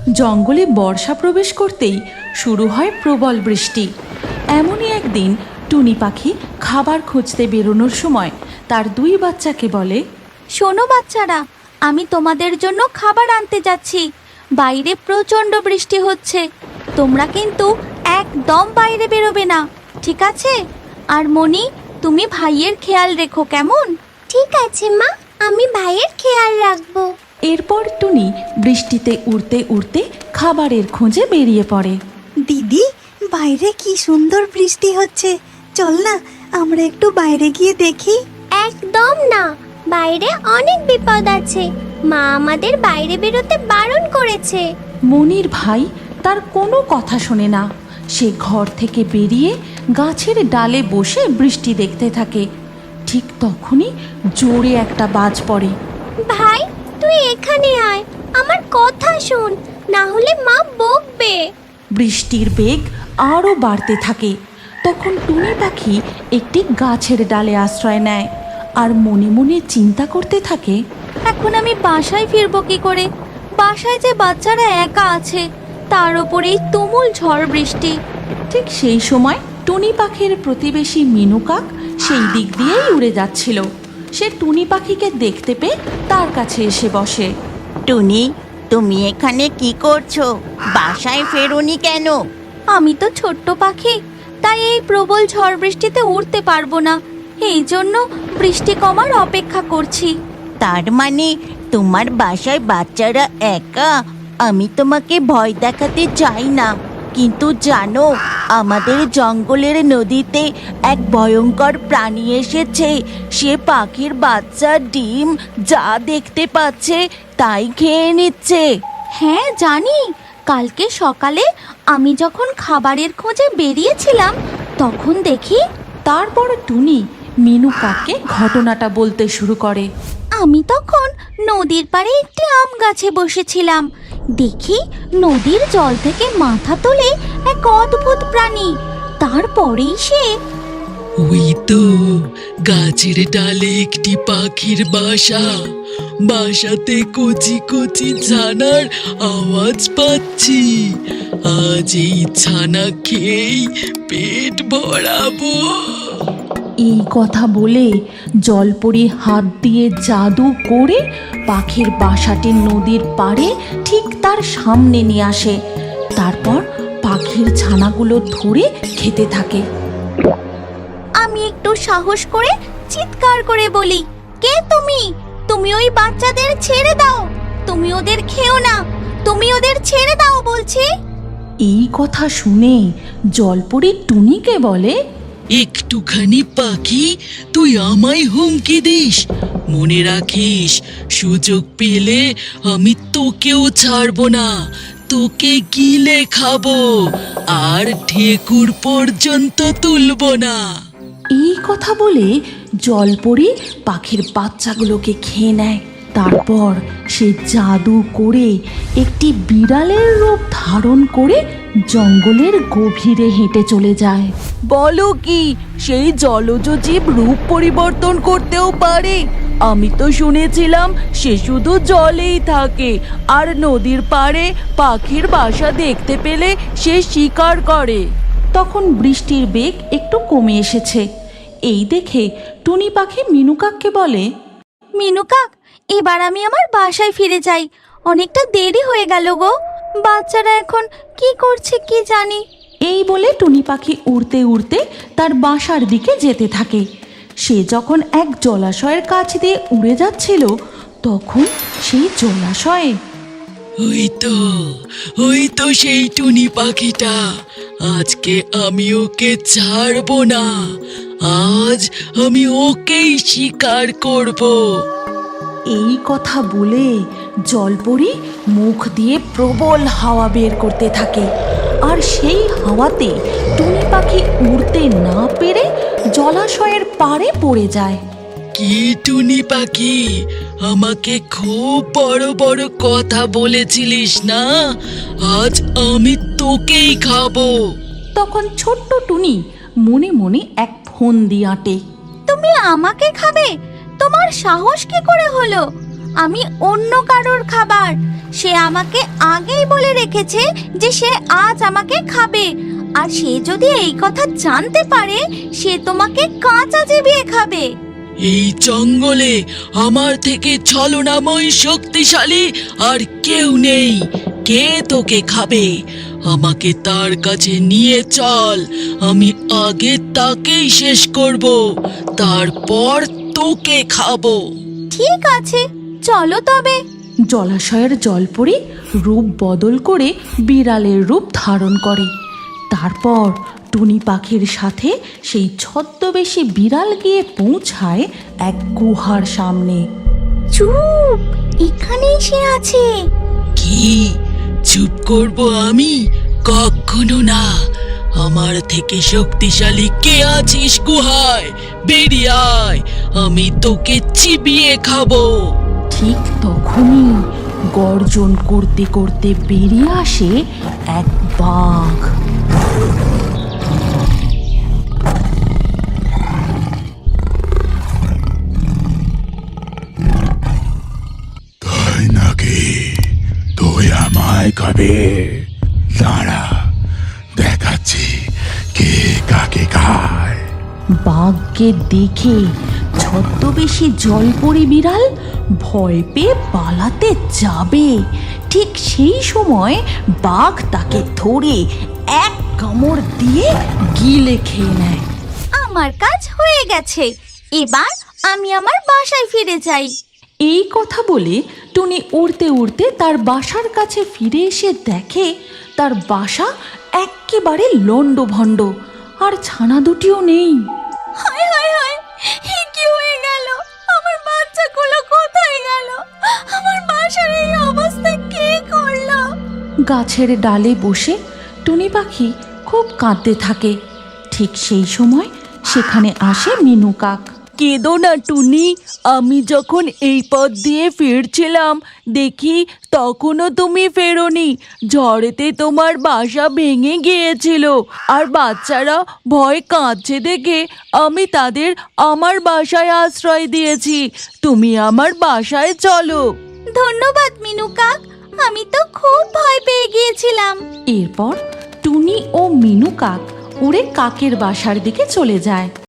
জঙ্গলে বর্ষা প্রবেশ করতেই শুরু হয় প্রবল বৃষ্টি। এমনই একদিন টুনি পাখি খাবার খুঁজতে বেরোনোর সময় তার দুই বাচ্চাকে বলে, শোনো বাচ্চারা, আমি তোমাদের জন্য খাবার আনতে যাচ্ছি। বাইরে প্রচণ্ড বৃষ্টি হচ্ছে, তোমরা কিন্তু একদম বাইরে বেরোবে না, ঠিক আছে? আর মনি, তুমি ভাইয়ের খেয়াল রেখো, কেমন? ঠিক আছে মা, আমি ভাইয়ের খেয়াল রাখবো। এরপর টুনি বৃষ্টিতে উড়তে উড়তে খাবারের খোঁজে বেরিয়ে পড়ে। দিদি, বাইরে কি সুন্দর বৃষ্টি হচ্ছে, চল না আমরা একটু বাইরে গিয়ে দেখি। একদম না, বাইরে অনেক বিপদ আছে। মা আমাদের বাইরে বেরোতে বারণ করেছে। মনির ভাই তার কোনো কথা শোনে না। সে ঘর থেকে বেরিয়ে গাছের ডালে বসে বৃষ্টি দেখতে থাকে। ঠিক তখনই জোরে একটা বাজ পড়ে। ভাই, তুই এখানে আয়, আমার কথা শোন, না হলে মা বকবে। বৃষ্টির বেগ আরও বাড়তে থাকে। তখন টুনি পাখি একটি গাছের ডালে আশ্রয় নেয় আর মনে মনে চিন্তা করতে থাকে, এখন আমি বাসায় ফিরবো কি করে? বাসায় যে বাচ্চারা একা আছে, তার ওপরেই তুমুল ঝড় বৃষ্টি। ঠিক সেই সময় টুনি পাখির প্রতিবেশী মিনু কাক সেই দিক দিয়েই উড়ে যাচ্ছিল। সে টুনি পাখিকে দেখতে পেয়ে তার কাছে এসে বসে। টুনি, তুমি এখানে কি করছো? বাসায় ফেরোনি কেন? আমি তো ছোট্ট পাখি, তাই এই প্রবল ঝড় বৃষ্টিতে উড়তে পারবো না, এই জন্য বৃষ্টি কমার অপেক্ষা করছি। তার মানে তোমার বাসায় বাচ্চারা একা? আমি তোমাকে ভয় দেখাতে চাই না, কিন্তু জানো, আমাদের জঙ্গলের নদীতে এক ভয়ঙ্কর প্রাণী এসেছে। সে পাখির বাচ্চার ডিম যা দেখতে পাচ্ছে তাই খেয়ে নিচ্ছে। হ্যাঁ জানি, কালকে সকালে আমি যখন খাবারের খোঁজে বেরিয়েছিলাম তখন দেখি। তারপর টুনি মিনু কাককে ঘটনাটা বলতে শুরু করে। আমি তখন নদীর পাড়ে একটি আম গাছে বসেছিলাম, দেখি নদীর জল থেকে মাথা তোলে এক অদ্ভুত প্রাণী। তারপরেই সে ওই তো গাছের ডালে একটি পাখির বাসা, বাসাতে কচি কচি ছানার আওয়াজ পাচ্ছি। আজ এই ছানা খেয়েই পেট ভরাবো। এই কথা বলে জলপরি হাত দিয়ে জাদু করে পাখির বাসাটি নদীর পাড়ে ঠিক তার সামনে নিয়ে আসে। তারপর পাখির ছানাগুলো ধরে খেতে থাকে। আমি একটু সাহস করে চিৎকার করে বলি, কে তুমি? তুমি ওই বাচ্চাদের ছেড়ে দাও, তুমি ওদের খেও না, তুমি ওদের ছেড়ে দাও বলছি। এই কথা শুনে জলপরি টুনিকে বলে, একটুখানি পাখি, তুই আমায় হুমকি দিস? মনে রাখিস, সুযোগ পেলে আমি তোকেও ছাড়বো না, তোকে গিলে খাবো আর ঠেকুর পর্যন্ত তুলবো না। এই কথা বলে জলপরি পাখির বাচ্চাগুলোকে খেয়ে নেয়। তারপর সে জাদু করে একটি বিড়ালের রূপ ধারণ করে জঙ্গলের গভীরে হেঁটে চলে যায়। বলো কি, সেই জলজ জীব রূপ পরিবর্তন করতেও পারে? আমি তো শুনেছিলাম সে শুধু জলেই থাকে, আর নদীর পাড়ে পাখির বাসা দেখতে পেলে সে শিকার করে। তখন বৃষ্টির বেগ একটু কমে এসেছে। এই দেখে টুনি পাখি মিনু কাককে বলে, মিনু কাক, এবার আমি আমার বাসায় ফিরে যাই, অনেকটা দেরি হয়ে গেল গো। বাচ্চারা এখন কি করছে কি জানি। এই বলে টুনি পাখি উড়তে উড়তে তার বাসার দিকে যেতে থাকে। সে যখন এক জলাশয়ের কাছ দিয়ে উড়ে যাচ্ছিল, তখন সেই জলাশয়ে ওই তো সেই টুনি পাখিটা। আজকে আমি ওকে ছাড়বো না, আজ আমি ওকেই শিকার করব। এই কথা বলে জলপরি মুখ দিয়ে প্রবল হাওয়া বের করতে থাকে। আর সেই হাওয়াতে টুনি পাখি উড়তে না পেরে জলাশয়ের পাড়ে পড়ে যায়। কি টুনি পাখি, আমাকে খুব বড় বড় কথা বলেছিলিস না? আজ আমি তোকেই খাবো। তখন ছোট্ট টুনি মনে মনে এক ফন্দি আঁটে। তুমি আমাকে খাবে? তোমার সাহস কি করে হলো? আমি অন্য কারোর খাবার। সে আমাকে আগেই বলে রেখেছে যে সে আজ আমাকে খাবে, আর সে যদি এই কথা জানতে পারে সে তোমাকে কাঁচা চিবিয়ে খাবে। এই জঙ্গলে আমার থেকে ছলনাময় শক্তিশালী আর কেউ নেই। কে তোকে খাবে? আমাকে তার কাছে নিয়ে চল, আমি আগে তাকেই শেষ করব, তারপর তোকে খাবো। ঠিক আছে, চলো তবে। জলাশয়ের জলপরি রূপ বদল করে বিড়ালের রূপ ধারণ করে। তারপর টুনি পাখির সাথে সেই ছদ্মবেশী বিড়াল গিয়ে পৌঁছায় এক গুহার সামনে। চুপ, এখানেই সে আছে। কি চুপ করব আমি? কখনো না। আমার থেকে শক্তিশালী কে আছিস গুহায়? বেরিয়ে আয়, আমি তোকে চিবিয়ে খাবো। ঠিক তখনই গর্জন করতে করতে বেরিয়ে আসে এক বাঘ। তাই নাকি? তুই আমায় খাবে? দাঁড়া, দেখাচ্ছি কে কাকে খায়। বাঘকে দেখে ছদ্মবেশী জলপরি বিড়াল ভয় পেয়ে পালাতে যাবে। ঠিক সেই সময় বাঘ তাকে ধরে এক কামড় দিয়ে গিলে খেয়ে নেয়। আমার কাজ হয়ে গেছে, এবার আমি আমার বাসায় ফিরে যাই। এই কথা বলে টুনি উড়তে উড়তে তার বাসার কাছে ফিরে এসে দেখে তার বাসা এক্কেবারে লণ্ডভণ্ড, আর ছানা দুটিও নেই। হায় হায় হায়, এ কি হয়ে গেল? আমার বাচ্চাগুলো কোথায় গেল? আমার বাসার এই অবস্থা কে করলো? গাছের ডালে বসে টুনি পাখি খুব কাঁদতে থাকে। ঠিক সেই সময় সেখানে আসে মিনু কাক। কেঁদো না টুনি, আমি যখন এই পথ দিয়ে ফিরছিলাম দেখি তখনও তুমি ফেরোনি। ঝড়েতে তোমার বাসা ভেঙে গিয়েছিল, আর বাচ্চারা ভয় কাঁদছে দেখে আমি তাদের আমার বাসায় আশ্রয় দিয়েছি। তুমি আমার বাসায় চলো। ধন্যবাদ মিনু কাক, আমি তো খুব ভয় পেয়ে গিয়েছিলাম। এরপর টুনি ও মিনু কাক উড়ে কাকের বাসার দিকে চলে যায়।